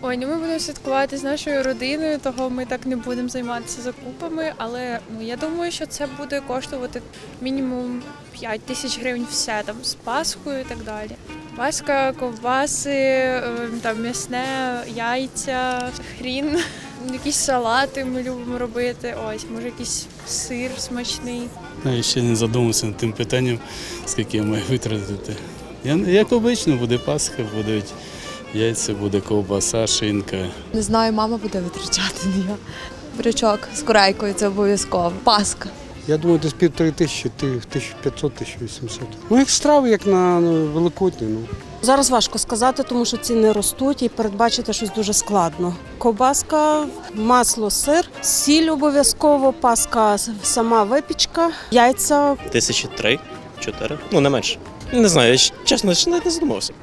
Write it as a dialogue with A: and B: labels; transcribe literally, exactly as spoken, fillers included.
A: Ой, ну ми будемо святкувати з нашою родиною, того ми так не будемо займатися закупами, але ну я думаю, що це буде коштувати мінімум п'ять тисяч гривень все там з Пасхою і так далі. Паска, ковбаси, е, там м'ясне, яйця, хрін, якісь салати ми любимо робити. Ось, може якийсь сир смачний.
B: Я ще не задумався над тим питанням, скільки я маю витратити. Я, як обично, буде Пасха, будуть яйця, буде ковбаса, шинка.
C: Не знаю, мама буде витрачати, не я. Брючок з корейкою, це обов'язково. Паска.
D: Я думаю, десь півтори тисячі, тисяча п'ятсот - тисяча вісімсот. Ну, як страви, як на ну, Великодні. Ну.
E: Зараз важко сказати, тому що ціни ростуть і передбачити щось дуже складно. Ковбаска, масло, сир, сіль обов'язково, паска, сама випічка, яйця.
F: Тисячі три, чотири, ну не менше. Не знаю, я чесно навіть не задумався.